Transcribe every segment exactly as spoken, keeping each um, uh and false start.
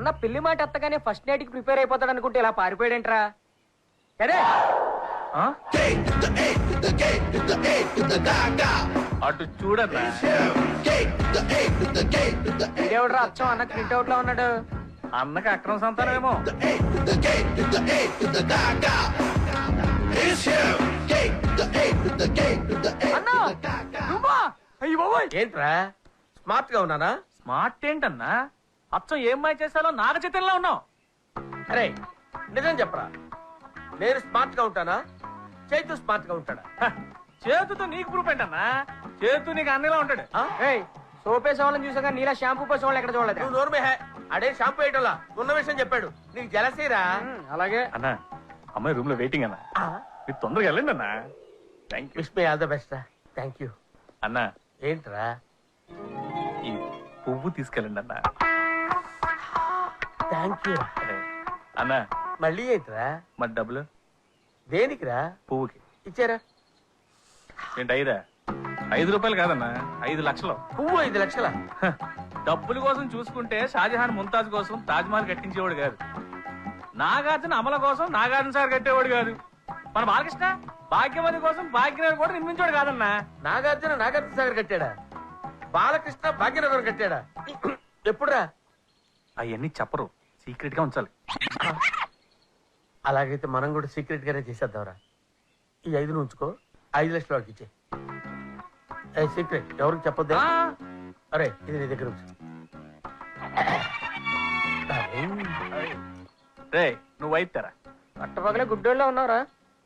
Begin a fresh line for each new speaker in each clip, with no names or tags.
అన్న పెళ్లి మాట ఎత్తగానే ఫస్ట్ నైట్ కి ప్రిపేర్ అయిపోతాడు అనుకుంటే ఇలా పారిపోయాడేంట్రా? అరే
అటు చూడన్నా,
ఇదేవిడ్రా అచ్చం అన్న ప్రింట్ అవుట్ లో ఉన్నాడు.
అన్నకి అక్రమ సంతానమేమో.
ఏంట్రా స్మార్ట్ గా ఉన్నానా?
స్మార్ట్ ఏంటన్నా, అచ్చం ఏం మాయ చేశాలో నాగ చైతన్యలా ఉన్నావు.
అరే నిజం చెప్పరా, నేను స్మార్ట్ గా ఉంటానా, చైతు స్మార్ట్ గా ఉంటాడా?
హ, చేతుతో నీకు ప్రూఫ్ ఏంటన్నా? చేతు నీకు అన్నలా ఉంటాడు.
సోపేసే వాళ్ళని చూసాక నీలా షాంపూ పోసే వాళ్ళు ఎక్కడ చూడలేదు.
నువ్వు నోరు హే, అడే షాంపూ వేయటంలా ఉన్న విషయం చెప్పాడు. నీకు జలసీరా?
అలాగే
అన్నా, అమ్మాయి రూమ్ లో వెయిటింగ్ అన్నా, మీరు తొందరగా వెళ్ళండి అన్నా. Thank you.
Wish me all the best. Thank you.
అన్నా
ఏంట్రా?
ఈ పువ్వు తీసుకెళ్ళండి అన్నా.
Thank you.
అన్నా
మళ్ళీ ఏంట్రా?
మరి డబ్బులు
దేనికిరా?
పువ్వుకి
ఇచ్చారా?
ఏంటి ఐదా? ఐదు రూపాయలు కాదన్నా, ఐదు లక్షలు.
పువ్వు ఐదు లక్షల?
హ, డబ్బుల కోసం చూసుకుంటే షాజహాన్ ముంతాజ్ కోసం తాజ్ మహల్ కట్టించేవాడు కాదు, నాగార్జున అమల కోసం నాగార్జున సార్ కట్టేవాడు కాదు, మన బాలకృష్ణ భాగ్యవతి కోసం భాగ్యనగర్ కూడా నిర్మించాడు కాదన్నా.
నాగార్జున నాగార్జున సాగర్ కట్టాడా? బాలకృష్ణ భాగ్యనగర్ కట్టాడా? ఎప్పుడురా?
అవన్నీ చెప్పరు, సీక్రెట్ గా ఉంచాలి.
అలాగైతే మనం కూడా సీక్రెట్ గానే చేసేద్దాంరా. ఈ ఐదు నువ్వు ఉంచుకో, ఐదు లక్షల వాడికి ఇచ్చే. సీక్రెట్ ఎవరికి చెప్పొద్దు. అరే ఇది నీ దగ్గర ఉంచు.
రే నువ్వు అయితారా?
పట్టపగలే గుడ్డోళ్ళలో ఉన్నారా?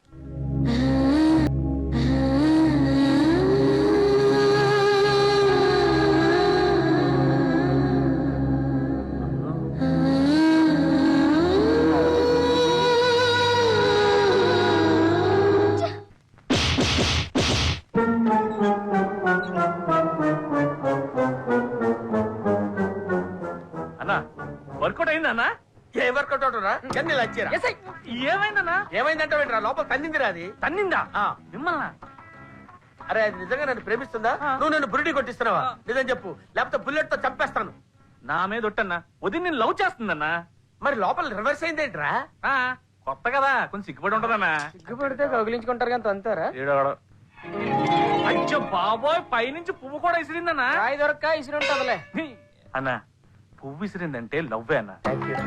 అన్నా వర్కౌట్ అయిందన్నా?
A workout అవుతురా? ఎన్ని లచ్చారా?
ఏమైందన్నా?
ఏమైందంటే ఏంట్రా? లోపల తన్నిందిరా అది.
తన్నిందా?
ఆ.
మిమ్మల్ని?
అరే అది నిజంగా నన్ను ప్రేమిస్తుందా? నువ్వు నన్ను బురిడి కొట్టిస్తున్నావా? నిజం చెప్పు, లేకపోతే బుల్లెట్ తో చంపేస్తాను.
నా మీద ఒట్టన్నా, వదిలి నేను లవ్ చేస్తుందన్నా.
మరి లోపల రివర్స్ అయిందేంట్రా?
ఆ, కొత్త కదా, కొంచెం సిగ్గుపడి ఉంటదన్నా.
సిగ్గుపడితే కౌగిలించుకుంటారు కానీ తంతారా?
ఏడవడం. అయ్యో బాబోయ్, పైనుంచి పువ్వు కూడా ఇసిరిందన్నా.
రాయి దొరక్క ఇసురు ఉంటదిలే.
అన్నా పువ్వు ఇసిరిందంటే లవ్వే అన్నా.
Thank you.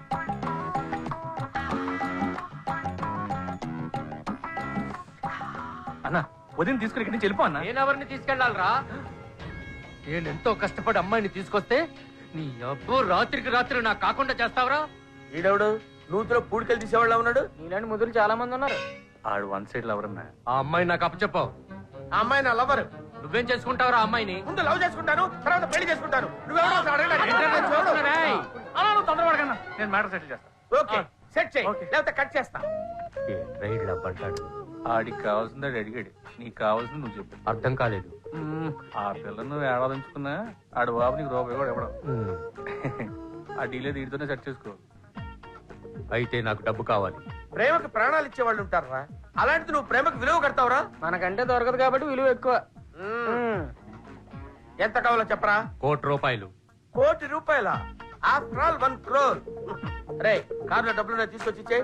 అన్నా వదిన తీసుకుని ఇక్కడి నుంచి వెళ్ళిపో అన్నా.
నేను ఎవరిని తీసుకెళ్లాలరా? నేను ఎంతో కష్టపడి అమ్మాయిని తీసుకొస్తే నీ అబ్బో రాత్రికి రాత్రి నాకు కాకుండా చేస్తావరా?
ఈడవుడు నూతిలో పూడికలు తీసేవాళ్ళ ఉన్నాడు.
నీలాంటి ముదులు చాలా మంది ఉన్నారు.
ఆడు వన్ సైడ్ లవర్ అన్నా.
ఆ అమ్మాయి నాకు అప్పచెప్పావు.
ఆ అమ్మాయి నా లవర్.
నువ్వేం చేసుకుంటావురా అమ్మాయిని?
ముందు లవ్ చేసుకుంటాను, తర్వాత పెళ్లి చేసుకుంటాను. నువ్వెవడో అసలు అడగడానికి?
అలా నువ్వు తొందరపడకన్నా, నేను మ్యాటర్ సెటిల్ చేస్తా.
ఓకే సెట్ చేయి,
ఓకే.
లేకపోతే కట్ చేస్తా. రైడ్ లవ్ అంటాడు.
ఆడికి కావాల్సింది ఆడు అడిగాడు, నీకు కావాల్సింది నువ్వు చెప్పు.
అర్థం కాలేదు.
మ్మ్, ఆ పిల్ల నువ్వు ఏడాదించుకున్నా ఆడు బాబు నీకు రూపాయి కూడా ఇవ్వడం. ఆ డీలే దీడితోనే సెట్ చేసుకో.
అయితే నాకు డబ్బు కావాలి. ప్రేమకు ప్రాణాలు ఇచ్చే వాళ్ళు ఉంటారా? అలాంటిది నువ్వు ప్రేమకు విలువ కడతావురా?
మనకంటే దొరకదు కాబట్టి విలువ ఎక్కువ.
ఎంత కావాలో చెప్పరా?
కోటి రూపాయలు.
కోటి రూపాయల? After all one crore. రే కార్లో డబ్బులు తీసుకొచ్చి ఇచ్చే.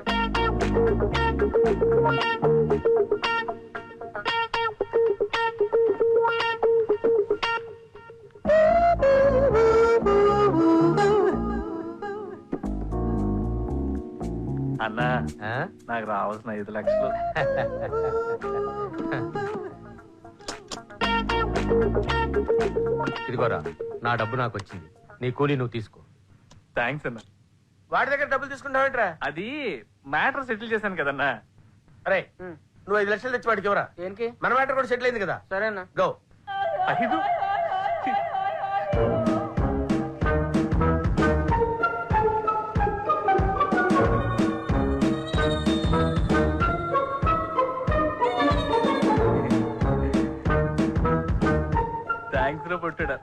అన్నా నాకు రావాల్సిన ఐదు లక్షలు.
ఇదిగోరా నా డబ్బు నాకు వచ్చింది, నీ కూలీ నువ్వు తీసుకో.
థ్యాంక్స్ అన్నా.
వాడి దగ్గర డబ్బులు తీసుకుంటావేంట్రా?
అది మ్యాటర్ సెటిల్ చేశాను కదన్నా.
అరే నువ్వు ఐదు లక్షలు తెచ్చి వాడికి ఎవరా?
దేనికి?
మన మ్యాటర్ కూడా సెటిల్ అయింది కదా.
సరేనా?
గో.
ఐదు థ్యాంక్స్ రా పొట్టుడా.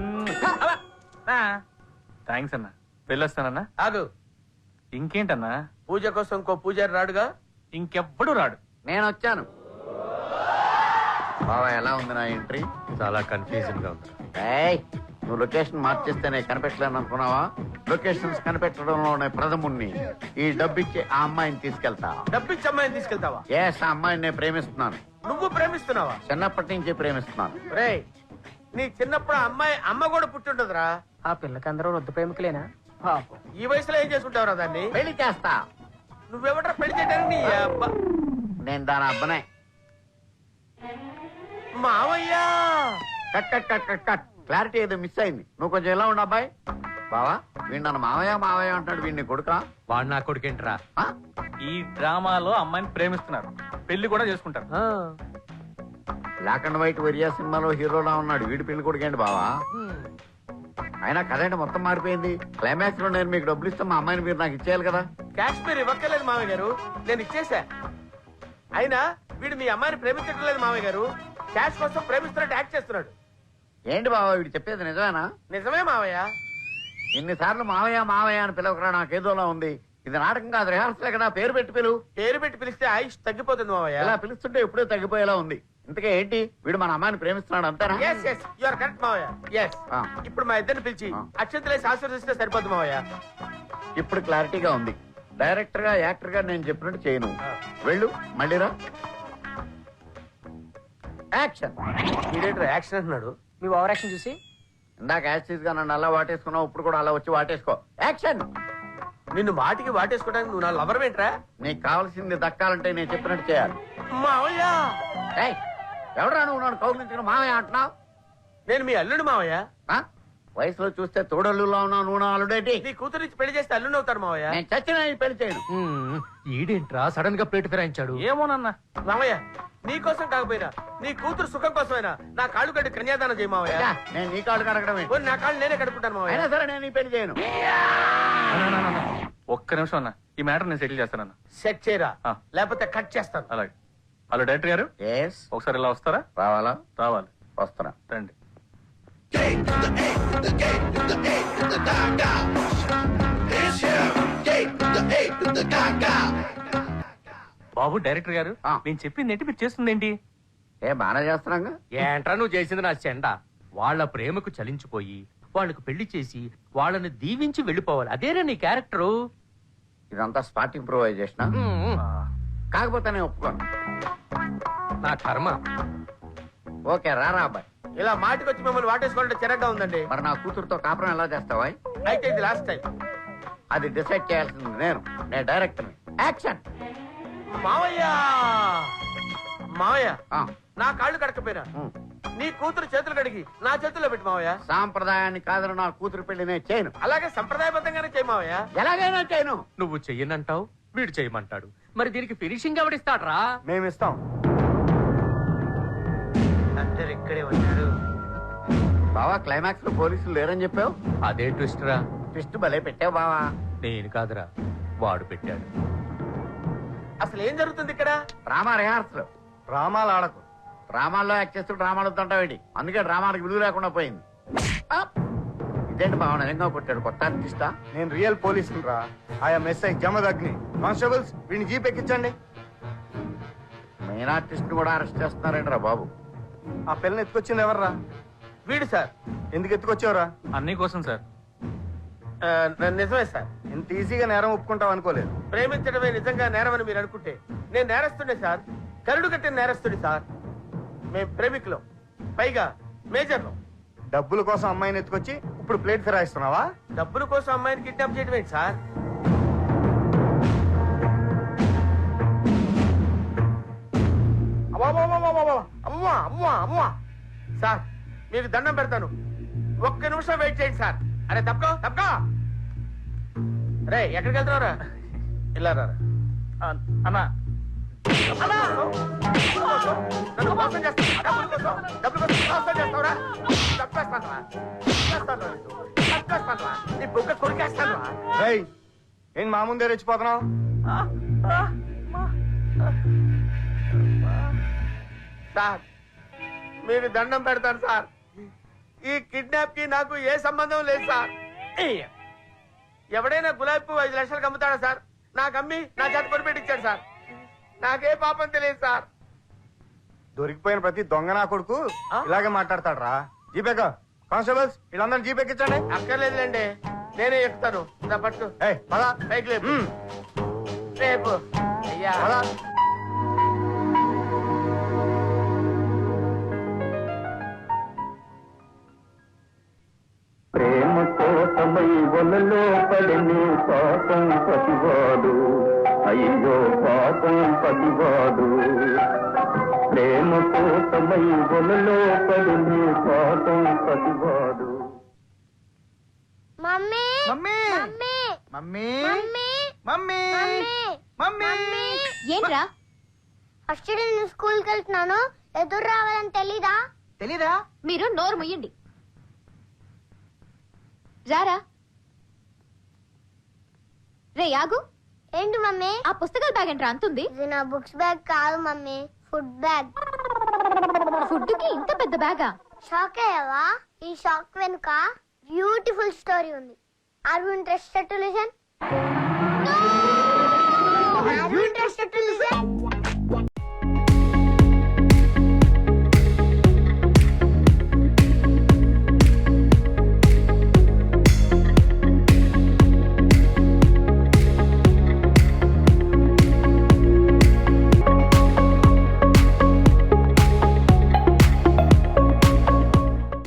థ్యాంక్స్ అన్నా, వెళ్ళొస్తానన్నా.
ఆగు.
ఇంకేంటన్నా?
పూజ కోసం ఇంకో పూజారి రాడుగా?
ఇంకెవ్వడు రాడు.
నేను వచ్చాను.
బావా ఎలా ఉంది నా ఎంట్రీ?
చాలా కన్ఫ్యూజన్ గా ఉంది.
నువ్వు లొకేషన్ మార్చేస్తేనే కనిపెట్టలేను అనుకున్నావా? లొకేషన్స్ కనిపెట్టడంలోనే ప్రథముణ్ణి. ఈ డబ్బిచ్చి ఆ అమ్మాయిని తీసుకెళ్తా.
డబ్బిచ్చి అమ్మాయిని తీసుకెళ్తావా?
ఎస్, ఆ అమ్మాయిని నేను ప్రేమిస్తున్నాను.
నువ్వు ప్రేమిస్తున్నావా?
చిన్నప్పటి నుంచి ప్రేమిస్తున్నాను.
రే, నీ చిన్నప్పుడు ఆ అమ్మాయి అమ్మ కూడా పుట్టింటదిరా.
ఆ పిల్లకి అందరూ వద్దు ప్రేమికులేనా? పాపం.
ఈ వయసులో ఏం చేసుకుంటావురా దాన్ని?
పెళ్లి చేస్తా.
నువ్వెవట్రా పెళ్లి చేయడానికి? నీ అబ్బా.
నేను దాని అబ్బనే.
మావయ్యా,
cut cut cut cut cut. Clarity ఏదో మిస్ అయింది. నువ్వు కొంచెం ఎలా ఉండు అబ్బాయి. బావా, వీడు నన్ను మావయ్య మావయ్య అంటున్నాడు. వీడిని కొడుకా?
వాడు నా కొడుకేంట్రా?
ఆ?
ఈ డ్రామాలో అమ్మాయిని ప్రేమిస్తున్నారు, పెళ్లి కూడా చేసుకుంటారు.
ఆ,
బ్లాక్ అండ్ వైట్ వరియా సినిమాలో హీరోలా ఉన్నాడు. వీడి పెళ్లి కొడుకేంటి బావా? అయినా కదండి మొత్తం మారిపోయింది. క్లైమాక్స్ లో నేను మీకు డబ్బులు ఇస్తాం, మా అమ్మాయిని మీరు నాకు ఇచ్చేయాలి కదా.
కాశ్మీర్ ఇవ్వక్కర్లేదు మామయ్య గారు, నేను ఇచ్చేసా. అయినా వీడు మీ అమ్మాయిని ప్రేమించడం లేదు మామయ్య గారు, క్యాష్ కోసం ప్రేమిస్తున్నట్టు యాక్ట్ చేస్తున్నాడు.
ఏంటి బావా వీడు చెప్పేది నిజమేనా?
నిజమే మావయ్య.
ఇన్నిసార్లు మావయ్య మావయ్య అని పిలవకరా, నాకేదోలా ఉంది. ఇది నాటకం కాదు, రిహార్సల్ కదా. పేరు పెట్టి పిలువు.
పేరు పెట్టి పిలిస్తే ఆయుష్ తగ్గిపోతుంది మావయ్య.
ఇలా పిలుస్తుంటే ఎప్పుడో తగ్గిపోయేలా ఉంది. ఇంతకే ఏంటి, వీడు మన అమ్మాయిని ప్రేమిస్తున్నాడు అంతేనా?
Yes yes you are correct మావయ్య. ఎస్.
ఆ.
ఇప్పుడు మా ఇద్దరిని పిలిచి
ఆ.
అక్షంతలేసి ఆశీర్వదిస్తే సరిపోతుంది మావయ్య.
ఇప్పుడు క్లారిటీగా ఉంది. డైరెక్టర్ గా యాక్టర్ గా నేను చెప్పినట్టు చేయను. వెళ్ళు, మళ్ళీరా. యాక్షన్.
ఇదేంటి యాక్షన్ అంటున్నాడు?
మీ ఓవర్ యాక్షన్ చూసి
ఇందాక యాక్సిస్ గా నన్ను అలా వాటేసుకున్నావు, ఇప్పుడు కూడా అలా వచ్చి వాటేసుకో. యాక్షన్.
నిన్ను మాటికి వాటేసుకోవడానికి నువ్వు నా లవర్ ఏంట్రా?
నీకు కావాల్సింది దక్కాలంటే నేను చెప్పినట్టు చేయాలి.
మావయ్య,
ఏయ్, ఎవడరా నువ్వు నన్ను కౌగిలించుకుని మావయ్య అంటున్నావు?
నేను మీ అల్లుడు మావయ్య.
ఆ? వయసులో చూస్తే తోడల్లులా ఉన్నావు, నువ్వు నా అల్లుడేంటి?
నీ కూతురు ఇచ్చి పెళ్లి చేస్తే అల్లుడు అవుతాడు మావయ్య.
నేను చచ్చిన ఈ పెళ్లి చేయను.
ఉమ్, ఈడేంట్రా సడన్ గా ప్లేట్ ఫిరాయించాడు?
ఏమోనన్నా,
మావయ్య, నీ కోసం కాకపోయినా నీ కూతురు సుఖం కోసమైనా నా కాళ్ళు కట్టి కన్యాదానం చేయి మావయ్య.
యా, నేను నీ కాళ్ళు కడగడమే.
పోనీ నా కాళ్ళు నేనే కడుక్కుంటాను మావయ్య.
అయినా సరే నేను ఈ పెళ్లి చేయను.
ఒక్క నిమిషం అన్న, ఈ మ్యాటర్ నేను సెటిల్ చేస్తానన్న.
సెట్ చేయరా,
ఆ.
లేకపోతే కట్ చేస్తాను.
అలాగే. హలో డైరెక్టర్ గారు,
ఎస్,
ఒకసారి ఇలా వస్తారా?
రావాలా?
రావాలి.
వస్తున్నా.
రండి. బాబు డైరెక్టర్ గారు,
ఆ.
నేను చెప్పింది ఏంటి, మీరు చేస్తుంది ఏంటి?
ఏ బాగా చేస్తున్నాగా.
ఏంట్రా నువ్వు చేసింది నా చెండ? వాళ్ళ ప్రేమకు చలించిపోయి వాళ్ళకు పెళ్లి చేసి వాళ్ళని దీవించి వెళ్ళిపోవాలి. అదేనా నీ క్యారెక్టరు?
ఇదంతా స్పాట్ ఇంప్రూవైజేషన్.
ఉమ్,
కాకపోతే నేను ఒప్పుకోను.
నా కర్మ.
ఓకే, రారా అబ్బాయి.
ఇలా మాటికి వచ్చి మిమ్మల్ని వాటేసుకోవాలంటే చిరగ్గా ఉందండి.
మరి నా కూతురుతో కాపురం ఎలా చేస్తావా?
అయితే ఇది లాస్ట్ టైం.
అది డిసైడ్ చేయాల్సింది నేను. నేను డైరెక్టర్. యాక్షన్.
మావయ్య, మావయ్య,
ఆ,
నా కాళ్ళు కడకపోయినా
ఉమ్.
నీ కూతురు చేతులు కడిగి నా చేతుల్లో పెట్టి మావయ్య.
సాంప్రదాయాన్ని కాదని నా కూతురు పెళ్లి నేను చేయను.
అలాగే సంప్రదాయబద్ధంగానే చేయి మావయ్య.
ఎలాగైనా చేయను.
నువ్వు చెయ్యనంటావు, వీడు చేయమంటాడు. మరి దీనికి ఫినిషింగ్ ఎవడిస్తాడ్రా?
మేమిస్తాం. అందరు ఇక్కడే వచ్చారు.
బావా, క్లైమాక్స్ లో పోలీసులు లేరని చెప్పావు.
అదే ట్విస్ట్ రా.
ట్విస్ట్ భలే పెట్టావు బావా.
నేను కాదురా, వాడు పెట్టాడు.
అసలు ఏం జరుగుతుంది ఇక్కడ?
Drama rehearsal.
డ్రామాలు ఆడకు.
డ్రామాల్లో యాక్ట్ చేస్తూ డ్రామాలు వద్దంటావేంటి? అందుకే డ్రామాలకు విలువ లేకుండా పోయింది. ఆ! ఇదేంటి బావ, నిజంగా కొట్టాడు? కొత్త ఆర్టిస్టా?
నేను రియల్ పోలీసులు రా. I'm SI Jamadagni. కానిస్టేబుల్స్, వీడిని జీప్ ఎక్కించండి.
మెయిన్ ఆర్టిస్ట్ కూడా అరెస్ట్ చేస్తున్నారేంట్రా బాబు?
ఆ పిల్లని ఎత్తుకొచ్చింది ఎవర్రా?
వీడు సార్.
ఎందుకు ఎత్తుకొచ్చావురా?
అన్నయ్య కోసం సార్.
ఆ, నిజమే సార్.
ఇంత ఈజీగా నేరం ఒప్పుకుంటావు అనుకోలేదు.
ప్రేమించడమే నిజంగా నేరమని మీరు అనుకుంటే నేను నేరస్తుండే సార్. కరుడు కట్టిన నేరస్తుడి సార్. మేము ప్రేమికులం, పైగా మేజర్లం.
డబ్బుల కోసం అమ్మాయిని ఎత్తుకొచ్చి ఇప్పుడు ప్లేట్ ఫిరాయిస్తున్నావా?
డబ్బుల కోసం అమ్మాయిని కిడ్నాప్ చేయడం ఏంటి సార్? అవ్వా అవ్వా అవ్వా సార్, మీకు దండం పెడతాను, ఒక్క నిమిషం వెయిట్ చేయండి సార్. అరే తప్పుకో తప్పుకో. రే, ఎక్కడికి వెళ్తున్నారా? ఇలా రా.
అ- అన్నా,
అన్నా! నన్ను మోసం చేస్తావా? డబ్బుల కోసం, డబ్బుల కోసం మోసం చేస్తావురా? చంపేస్తానురా. చంపేస్తానురా నిన్ను. చంపేస్తానురా. నీ బుగ్గ కొరికేస్తానురా.
రేయ్, ఏం మా ముందే రెచ్చిపోతున్నావు?
సార్, మీరు దండం పెడతాను సార్. ఈ కిడ్నాప్ కి నాకు ఏ సంబంధం లేదు సార్. ఎవడైనా గులాబీ పువ్వు ఐదు లక్షలకు అమ్ముతాడా సార్? నాకు అమ్మి నా చేత కొనిపెట్టించాడు సార్. నాకే పాపం తెలియదు సార్.
దొరికిపోయిన ప్రతి దొంగ నా కొడుకు
ఆ?
ఇలాగే మాట్లాడతాడు రా. జీపేక కానిస్టేబుల్స్ వీళ్ళందరినీ జీప్ ఎక్కించండి.
అక్కర్లేదులేండి, నేనే ఎక్కుతాను. నా పట్టు
ఏయ్ పద.
పైకి లేపు.
మ్మ్.
రేపు అయ్యా
పద.
ప్రేమ కోసమై వలలో పడిని పాపం పతివాడు, అయ్యో పాపం పతివాడు. ప్రేమ కోసమై వలలో పడిని పాపం పతివాడు.
Mummy
mummy
mummy
mummy
mummy
mummy mummy
ఏంట్రా ఫస్ట్ డే నేను స్కూల్ కి వెళ్తున్నాను, ఎదురు రావాలని తెలీదా?
తెలీదా?
మీరు నోరు ముయ్యండి. రారా రే యాగు. ఏంటి మమ్మీ? ఆ పుస్తకాల బ్యాగ్ ఏంట్రా అంతుంది? ఇది నా బుక్స్ బ్యాగ్ కాదు మమ్మీ, ఫుడ్ బ్యాగ్. ఫుడ్ కి ఇంత పెద్ద బ్యాగా? షాక్ అయ్యావా? ఈ షాక్ వెనుక బ్యూటిఫుల్ స్టోరీ ఉంది. Are you interested to listen? Are you interested to listen?